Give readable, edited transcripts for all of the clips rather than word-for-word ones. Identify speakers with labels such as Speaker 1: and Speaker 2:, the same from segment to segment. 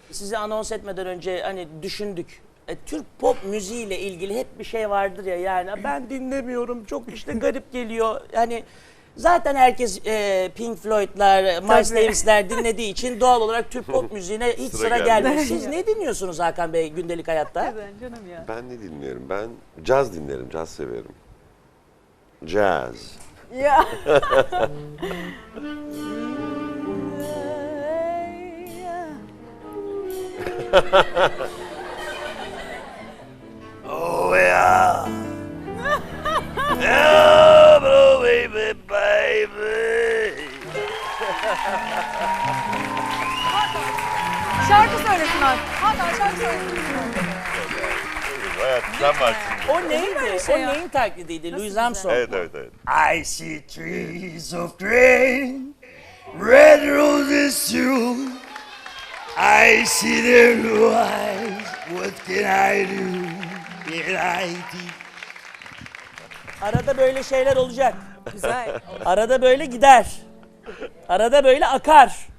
Speaker 1: Sizi anons etmeden önce hani düşündük. Türk pop müziğiyle ilgili hep bir şey vardır ya, yani ben dinlemiyorum, çok işte garip geliyor. Yani zaten herkes Pink Floyd'lar, Miles Davis'ler dinlediği için doğal olarak Türk pop müziğine hiç sıra gelmiyor. Siz ne dinliyorsunuz Hakan Bey gündelik hayatta?
Speaker 2: Canım ya.
Speaker 3: Ben ne dinliyorum? Ben caz dinlerim, caz severim. Jazz.
Speaker 2: Ya.
Speaker 1: Oh yeah. Yeah, bro, baby, baby.
Speaker 2: Şarkı söylesin abi. Hakan şarkı söylesin.
Speaker 3: Hayat sen varsın.
Speaker 1: O neydi?
Speaker 2: şey
Speaker 1: O
Speaker 2: ya?
Speaker 1: neyin taklidiydi? Louis Armstrong.
Speaker 3: Evet, evet, evet.
Speaker 1: I see trees of green, red roses too. I see their blue eyes. What can I do? Can I do? Arada böyle şeyler olacak.
Speaker 2: Güzel.
Speaker 1: Arada böyle gider. Arada böyle akar.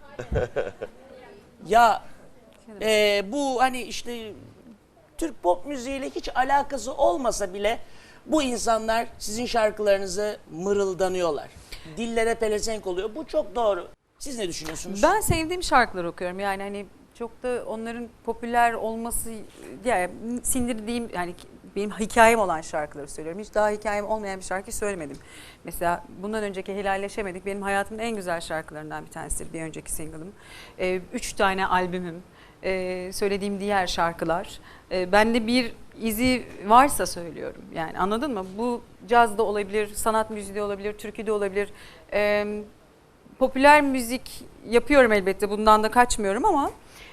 Speaker 1: Ya bu hani işte Türk pop müziğiyle hiç alakası olmasa bile bu insanlar sizin şarkılarınızı mırıldanıyorlar. Dillere pelesenk oluyor. Bu çok doğru. Siz ne düşünüyorsunuz?
Speaker 2: Ben sevdiğim şarkıları okuyorum. Yani hani çok da onların popüler olması, yani sindirdiğim, yani benim hikayem olan şarkıları söylüyorum. Hiç daha hikayem olmayan bir şarkı söylemedim. Mesela bundan önceki Helalleşemedik benim hayatımın en güzel şarkılarından bir tanesidir. Bir önceki single'ım. 3 tane albümüm, söylediğim diğer şarkılar. Bende bir izi varsa söylüyorum. Yani anladın mı? Bu caz da olabilir, sanat müziği de olabilir, türkü de olabilir. Popüler müzik yapıyorum elbette, bundan da kaçmıyorum ama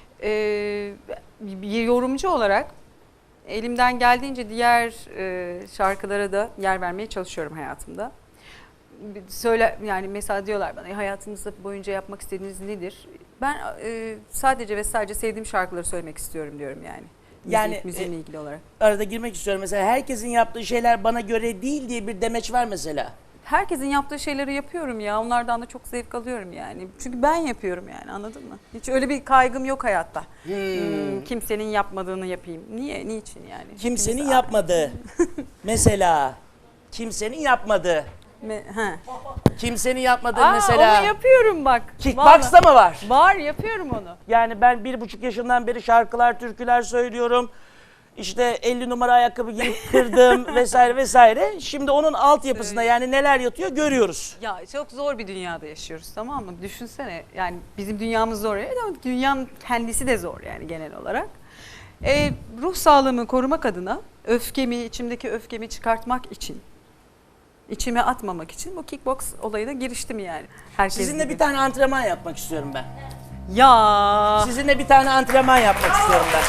Speaker 2: bir yorumcu olarak elimden geldiğince diğer şarkılara da yer vermeye çalışıyorum hayatımda. Yani mesela diyorlar bana hayatınızda boyunca yapmak istediğiniz nedir? Ben sadece ve sadece sevdiğim şarkıları söylemek istiyorum diyorum yani.
Speaker 1: Yani
Speaker 2: müziğimle ilgili olarak.
Speaker 1: Arada girmek istiyorum. Mesela herkesin yaptığı şeyler bana göre değil diye bir demeç var mesela.
Speaker 2: Herkesin yaptığı şeyleri yapıyorum ya. Onlardan da çok zevk alıyorum yani. Çünkü ben yapıyorum yani, anladın mı? Hiç öyle bir kaygım yok hayatta. Kimsenin yapmadığını yapayım. Niye? Niçin yani?
Speaker 1: Kimsenin yapmadığı. Mesela kimsenin yapmadığı. Kimsenin yapmadığı mesela.
Speaker 2: Onu yapıyorum bak.
Speaker 1: Kickbox'ta mı var?
Speaker 2: Var, yapıyorum onu.
Speaker 1: Yani ben 1,5 yaşından beri şarkılar, türküler söylüyorum. İşte 50 numara ayakkabı giyip kırdım vesaire vesaire. Şimdi onun altyapısında yani neler yatıyor görüyoruz.
Speaker 2: Ya çok zor bir dünyada yaşıyoruz, tamam mı? Düşünsene, yani bizim dünyamız zor ama dünyanın kendisi de zor yani genel olarak. Ruh sağlığımı korumak adına içimdeki öfkemi çıkartmak için, içime atmamak için bu kickbox olayına giriştim yani. Herkes
Speaker 1: Sizinle
Speaker 2: gibi.
Speaker 1: bir tane antrenman yapmak istiyorum ben.
Speaker 2: Ya
Speaker 1: Sizinle bir tane antrenman yapmak istiyorum ben.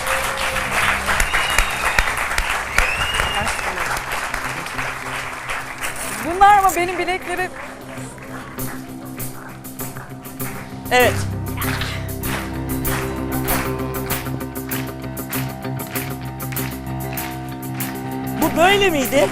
Speaker 2: bunlar ama benim bileklerim.
Speaker 1: Evet. Bu böyle miydi?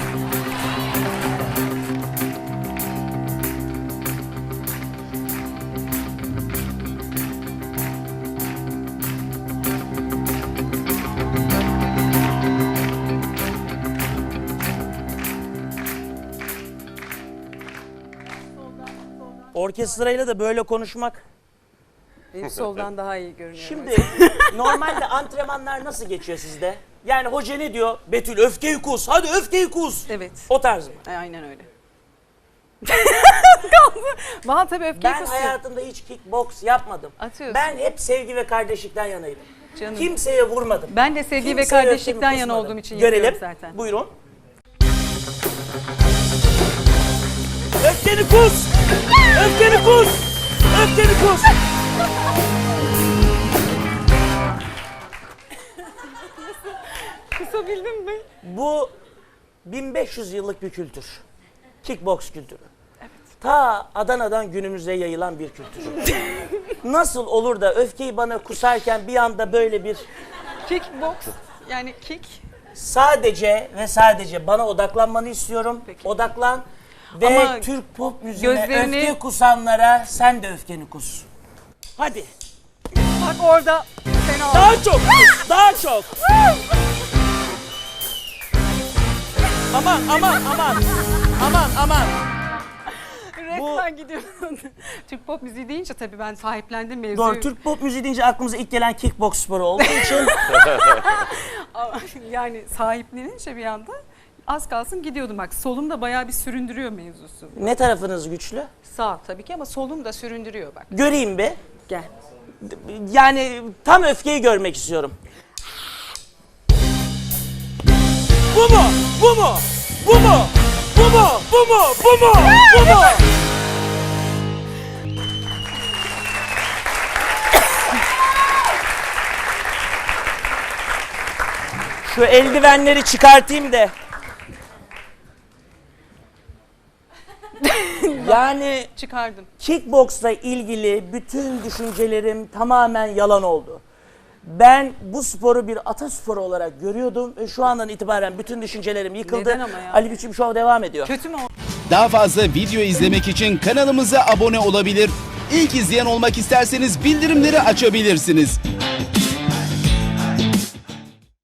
Speaker 1: Orkestrayla da böyle konuşmak.
Speaker 2: Benim soldan daha iyi görünüyor.
Speaker 1: Şimdi normalde antrenmanlar nasıl geçiyor sizde? Yani hoca ne diyor? Betül öfkeyi kus, hadi öfkeyi kus.
Speaker 2: Evet.
Speaker 1: O tarz mı?
Speaker 2: Aynen öyle. Bana tabii öfkeyi
Speaker 1: Ben
Speaker 2: kusuyor.
Speaker 1: hayatımda hiç kickbox yapmadım.
Speaker 2: Atıyorsun.
Speaker 1: Ben hep sevgi ve kardeşlikten yanaydım.
Speaker 2: Canım.
Speaker 1: Kimseye vurmadım.
Speaker 2: Ben de sevgi ve
Speaker 1: Kimseye
Speaker 2: kardeşlikten
Speaker 1: öfkemi
Speaker 2: yana
Speaker 1: kusmadım.
Speaker 2: olduğum için
Speaker 1: Görelim.
Speaker 2: yapıyorum zaten.
Speaker 1: Buyurun. Öfkeni kus! Öfkeni kus! Öfkeni kus!
Speaker 2: Kusabildin mi?
Speaker 1: Bu 1500 yıllık bir kültür. Kickbox kültürü. Ta Adana'dan günümüze yayılan bir kültür. Nasıl olur da öfkeyi bana kusarken bir anda böyle bir
Speaker 2: Kickbox, yani kick.
Speaker 1: sadece ve sadece bana odaklanmanı istiyorum.
Speaker 2: Peki.
Speaker 1: Odaklan ve
Speaker 2: Ama
Speaker 1: Türk pop müziğine
Speaker 2: gözlerini-
Speaker 1: öfke kusanlara sen de öfkeni kus. Hadi.
Speaker 2: Bak orada fena oldu.
Speaker 1: Daha çok. Daha çok. Aman aman aman. Aman aman.
Speaker 2: Resmen gidiyorum. Türk pop müziği deyince tabii ben sahiplendim mevzuyu.
Speaker 1: Doğru. Türk pop müziği deyince aklımıza ilk gelen kickbox sporu olduğu için.
Speaker 2: Ama yani sahiplenince bir anda az kalsın gidiyordum. Bak solum da bayağı bir süründürüyor mevzusu.
Speaker 1: Ne tarafınız güçlü?
Speaker 2: Sağ tabii ki ama solum da süründürüyor bak.
Speaker 1: Göreyim bir.
Speaker 2: Gel.
Speaker 1: Yani tam öfkeyi görmek istiyorum. Bu mu? Bu mu? Bu mu? Bu mu? Bu mu? Bu mu? Bu mu? Şu eldivenleri çıkartayım da. Yani
Speaker 2: Çıkardım.
Speaker 1: kickboksla ilgili bütün düşüncelerim tamamen yalan oldu. Ben bu sporu bir atasporu olarak görüyordum ve şu andan itibaren bütün düşüncelerim yıkıldı.
Speaker 2: Neden ama ya?
Speaker 1: Ali Biçim Show devam ediyor.
Speaker 2: Kötü mü o?
Speaker 4: Daha fazla video izlemek için kanalımıza abone olabilir. İlk izleyen olmak isterseniz bildirimleri açabilirsiniz.